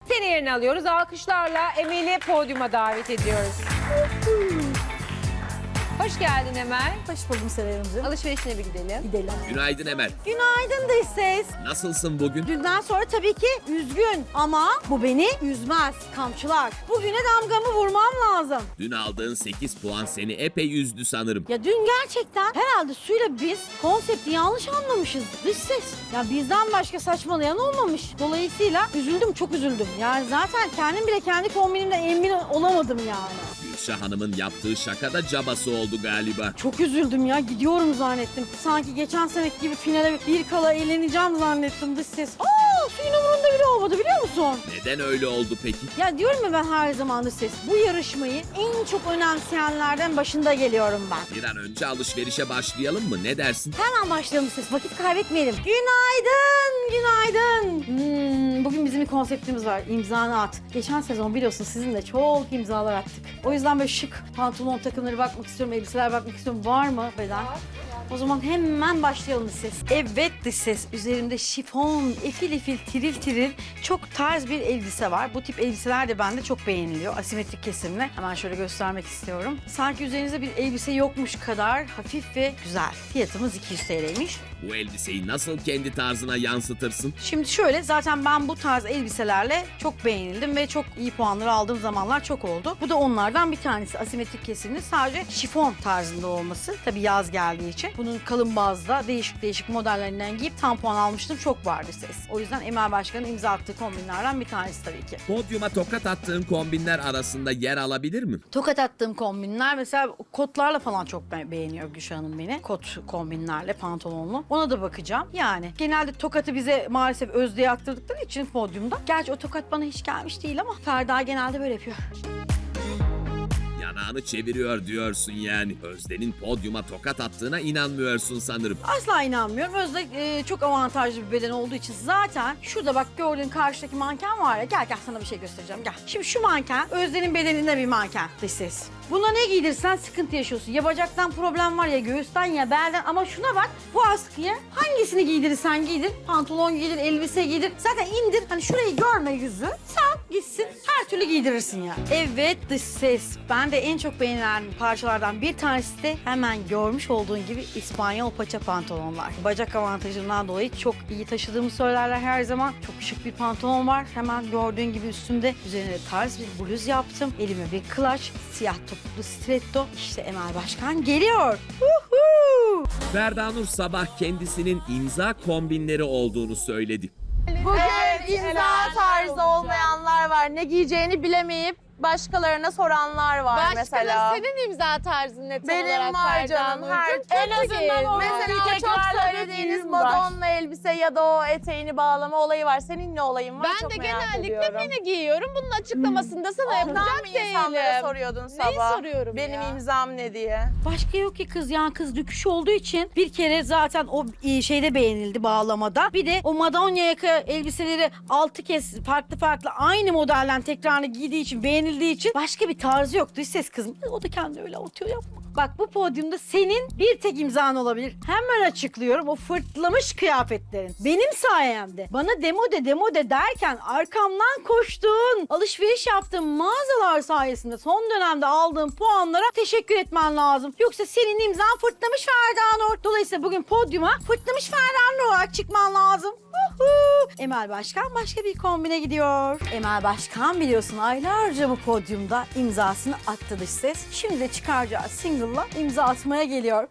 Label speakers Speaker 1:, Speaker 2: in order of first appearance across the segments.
Speaker 1: Seni yerine alıyoruz. Alkışlarla Emel'i podyuma davet ediyoruz. Hoş geldin Emel.
Speaker 2: Hoş buldum Seren'cim.
Speaker 1: Alışverişine bir gidelim.
Speaker 2: Gidelim.
Speaker 3: Günaydın Emel.
Speaker 2: Günaydın dış ses.
Speaker 3: Nasılsın bugün?
Speaker 2: Dünden sonra tabii ki üzgün ama bu beni üzmez. Kamçılar. Bugüne damgamı vurmam lazım.
Speaker 3: Dün aldığın 8 puan seni epey üzdü sanırım.
Speaker 2: Ya dün gerçekten herhalde Su'yla biz konsepti yanlış anlamışız dış ses. Ya bizden başka saçmalayan olmamış. Dolayısıyla üzüldüm, çok üzüldüm. Yani zaten kendim bile kendi kombinimden emin olamadım yani.
Speaker 3: Gülşah Hanım'ın yaptığı şaka da cabası oldu galiba.
Speaker 2: Çok üzüldüm ya, gidiyorum zannettim. Sanki geçen seneki gibi finale bir kala eğleneceğim zannettim dış ses. Suyun umurunda bile olmadı biliyor musun?
Speaker 3: Neden öyle oldu peki?
Speaker 2: Ya diyorum ya ben her zaman dış ses. Bu yarışmayı en çok önemseyenlerden başında geliyorum ben.
Speaker 3: Bir an önce alışverişe başlayalım mı? Ne dersin?
Speaker 2: Hemen başlayalım ses. Vakit kaybetmeyelim. Günaydın, günaydın. Bugün bizim bir konseptimiz var. İmzanı at. Geçen sezon biliyorsun sizinle çok imzalar attık. O yüzden böyle şık pantolon takımları bakmak istiyorum, elbiseler bakmak istiyorum. Var mı beden? O zaman hemen başlayalım dış ses. Evet dış ses. Üzerimde şifon, efil efil, tiril tiril çok tarz bir elbise var. Bu tip elbiseler de bende çok beğeniliyor. Asimetrik kesimle. Hemen şöyle göstermek istiyorum. Sanki üzerinizde bir elbise yokmuş kadar hafif ve güzel. Fiyatımız 200 TL'ymiş.
Speaker 3: Bu elbiseyi nasıl kendi tarzına yansıtırsın?
Speaker 2: Şimdi şöyle, zaten ben bu tarz elbiselerle çok beğenildim ve çok iyi puanları aldığım zamanlar çok oldu. Bu da onlardan bir tanesi. Asimetrik kesimli, sadece şifon tarzında olması. Tabii yaz geldiği için. Bunun kalın bazda değişik değişik modellerinden giyip tam puan almıştım. Çok vardı ses. O yüzden Emel Başkan'ın imza attığı kombinlerden bir tanesi tabii ki.
Speaker 3: Podyuma tokat attığın kombinler arasında yer alabilir mi?
Speaker 2: Tokat attığım kombinler mesela kotlarla falan çok beğeniyor Gülşah Hanım beni. Kot kombinlerle, pantolonlu. Ona da bakacağım. Yani genelde tokatı bize maalesef Özde'ye aktırdıkları için podyumda. Gerçi o tokat bana hiç gelmiş değil ama Ferda genelde böyle yapıyor.
Speaker 3: Yanağını çeviriyor diyorsun yani. Özde'nin podyuma tokat attığına inanmıyorsun sanırım.
Speaker 2: Asla inanmıyorum. Özde çok avantajlı bir beden olduğu için zaten şurada bak gördüğün karşıdaki manken var ya. Gel sana bir şey göstereceğim gel. Şimdi şu manken Özde'nin bedeninde bir manken dış ses. Buna ne giydirsen sıkıntı yaşıyorsun. Ya bacaktan problem var ya göğüsten ya belden, ama şuna bak bu askıya hangisini giydirirsen giydir. Pantolon giydir, elbise giydir. Zaten indir, hani şurayı görme yüzü. Sen gitsin her türlü giydirirsin ya. Evet dış ses. Ben de en çok beğenilen parçalardan bir tanesi de hemen görmüş olduğun gibi İspanyol paça pantolonlar. Bacak avantajından dolayı çok iyi taşıdığımı söylerler her zaman. Çok şık bir pantolon var. Hemen gördüğün gibi üstümde üzerine tarz bir bluz yaptım. Elime bir clutch, siyah topuklu stiletto. İşte Emel Başkan geliyor.
Speaker 3: Ferda Nur sabah kendisinin imza kombinleri olduğunu söyledi.
Speaker 4: Bugün imza tarzı olmayanlar var. Ne giyeceğini bilemeyip başkalarına soranlar var mesela.
Speaker 5: Senin imza tarzın net
Speaker 4: Benim
Speaker 5: olarak
Speaker 4: var
Speaker 5: Ferda
Speaker 4: canım.
Speaker 5: Nurcuğum.
Speaker 4: En azından o mesela çok söylediğiniz Madonna elbise ya da o eteğini bağlama olayı var. Senin ne olayın var?
Speaker 5: Ben
Speaker 4: çok
Speaker 5: de
Speaker 4: merak
Speaker 5: genellikle
Speaker 4: ediyorum.
Speaker 5: mini giyiyorum. Bunun açıklamasını da sana
Speaker 4: Ondan
Speaker 5: yapacak
Speaker 4: mı insanlara
Speaker 5: değilim.
Speaker 4: soruyordun
Speaker 5: Neyi
Speaker 4: sabah?
Speaker 5: soruyorum
Speaker 4: Benim
Speaker 5: ya?
Speaker 4: imzam ne diye.
Speaker 2: Başka yok ki kız, yani kız döküş olduğu için bir kere zaten o şeyde beğenildi, bağlamada. Bir de o Madonna yaka elbiseleri 6 kez farklı aynı modelden tekrarını giydiği için, beğenildiği için başka bir tarzı yok. Dış ses kızım. O da kendi öyle atıyor, yapma. Bak bu podyumda senin bir tek imzan olabilir. Hemen açıklıyorum, o fırtlamış kıyafetlerin. Benim sayemde bana demode derken arkamdan koştuğun, alışveriş yaptığın mağazalar sayesinde son dönemde aldığın puanlara teşekkür etmen lazım. Yoksa senin imzan fırtlamış Ferda Nur. Dolayısıyla bugün podyuma fırtlamış Ferda Nur olarak çıkman lazım. Emel Başkan başka bir kombine gidiyor. Emel Başkan biliyorsun aylarca bu podyumda imzasını attı dış ses. Şimdi de çıkaracağı single'la imza atmaya geliyor.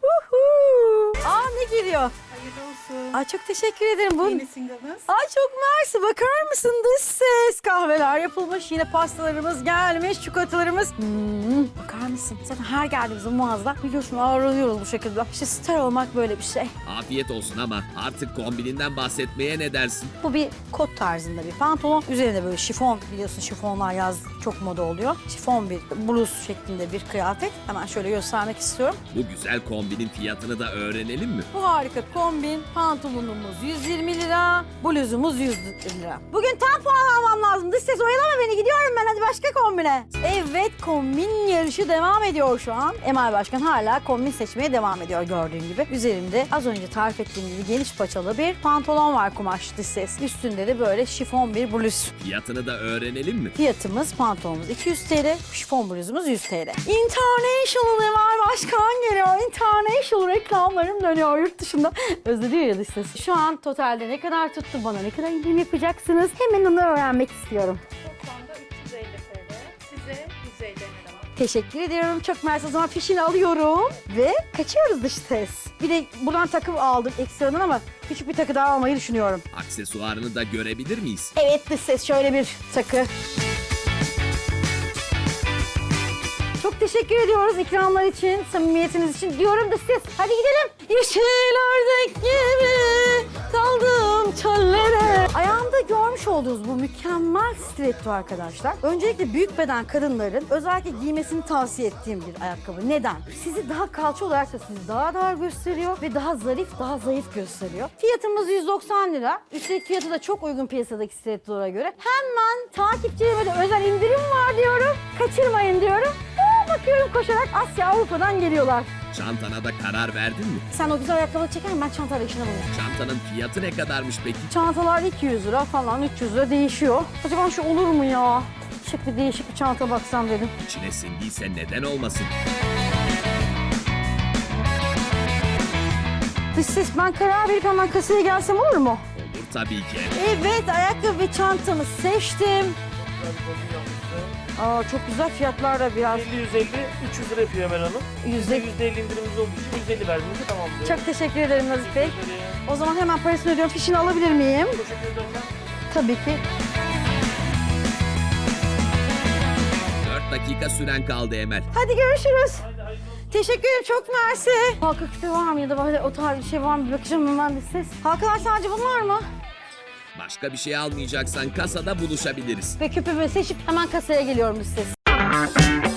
Speaker 2: Ne geliyor?
Speaker 6: Hayırlı olsun.
Speaker 2: Ay çok teşekkür ederim.
Speaker 6: Yeni single'ınız.
Speaker 2: Ay çok mersi. Bakar mısın dış ses? Kahveler yapılmış. Yine pastalarımız gelmiş. Çikolatalarımız. Bakar mısın? Zaten her geldiğimizde mağazada biliyorsun ağırlıyoruz bu şekilde. İşte star olmak böyle bir şey.
Speaker 3: Afiyet olsun ama artık kombininden bahsetmeye ne dersin?
Speaker 2: Bu bir kot tarzında bir pantolon. Üzerinde böyle şifon, biliyorsun şifonlar yaz çok moda oluyor. Şifon bir bluz şeklinde bir kıyafet. Hemen şöyle göstermek istiyorum.
Speaker 3: Bu güzel kombinin fiyatını da öğrenelim mi?
Speaker 2: Bu harika kombin, pantolonumuz 120 lira, bluzumuz 100 lira. Bugün tam puan almam lazım. Dış ses oyalama beni, gidiyorum ben, hadi başka kombine. Evet, kombin yarışı devam ediyor şu an. Emel Başkan hala kombin seçmeye devam ediyor gördüğün gibi. Üzerimde az önce tarif ettiğim gibi geniş paçalı bir pantolon var, kumaş dış ses. Üstünde de böyle şifon bir bluz.
Speaker 3: Fiyatını da öğrenelim mi?
Speaker 2: Fiyatımız pantolonumuz 200 TL, şifon bluzumuz 100 TL. International Emel Başkan geliyor. International reklamlarım dönüyor yurt dışında. Özlediyor ya dış ses. Şu an totalde ne kadar tuttu, bana ne kadar indirim yapacaksınız? Hemen onu öğrenmek istiyorum.
Speaker 1: Toplamda 350 TL. Size 150 lira.
Speaker 2: Teşekkür ediyorum. Çok mersi. O zaman fişini alıyorum ve kaçıyoruz dış ses. Bir de buradan takı aldım ekstradan ama küçük bir takı daha almayı düşünüyorum.
Speaker 3: Aksesuarını da görebilir miyiz?
Speaker 2: Evet dış ses, şöyle bir takı. Çok teşekkür ediyoruz ikramlar için, samimiyetiniz için diyorum dış ses. Hadi gidelim. Yeşil ördek gibi daldım çöllere. Ayağımda görmüş olduğunuz bu mükemmel stiletto arkadaşlar. Öncelikle büyük beden kadınların özellikle giymesini tavsiye ettiğim bir ayakkabı. Neden? Sizi daha kalça olarak da sizi daha dar gösteriyor ve daha zarif, daha zayıf gösteriyor. Fiyatımız 190 lira. Üstelik fiyatı da çok uygun piyasadaki stilettolara göre. Hemen takipçilerime de özel indirim var diyorum. Kaçırmayın diyorum. Bakıyorum koşarak Asya, Avrupa'dan geliyorlar.
Speaker 3: Çantana da karar verdin mi?
Speaker 2: Sen o güzel ayakkabıları çeker misin? Ben çantayla işine bakayım.
Speaker 3: Çantanın fiyatı ne kadarmış peki?
Speaker 2: Çantalar 200 lira falan, 300 lira değişiyor. Acaba şu olur mu ya? Şık bir değişik bir çanta baksam dedim.
Speaker 3: İçine sindiyse neden olmasın?
Speaker 2: Dış ses, ben karar verip hemen kasaya gelsem olur mu?
Speaker 3: Olur tabii ki.
Speaker 2: Evet, ayakkabı ve çantamı seçtim. Aa, çok güzel fiyatlar da biraz.
Speaker 6: 50-150, 300 lira yapıyor Emel Hanım.
Speaker 2: Yüzde...
Speaker 6: %50 indirimimiz olduğu için 150 verdiğimizde tamamlıyor.
Speaker 2: Çok teşekkür ederim Nazif Bey.
Speaker 6: Teşekkür ederim.
Speaker 2: O zaman hemen parasını ödüyorum. Fişini alabilir miyim?
Speaker 6: Teşekkür ederim.
Speaker 2: Tabii ki.
Speaker 3: 4 dakika süren kaldı Emel.
Speaker 2: Hadi görüşürüz. Teşekkür ederim, çok mersi. Halka küpe var mı ya da böyle o tarz bir şey var mı? Bir bakacağım hemen bir ses. Halkalar sadece bunlar mı?
Speaker 3: Başka bir şey almayacaksan kasada buluşabiliriz.
Speaker 2: Ve küpümü seçip hemen kasaya geliyorum bir ses.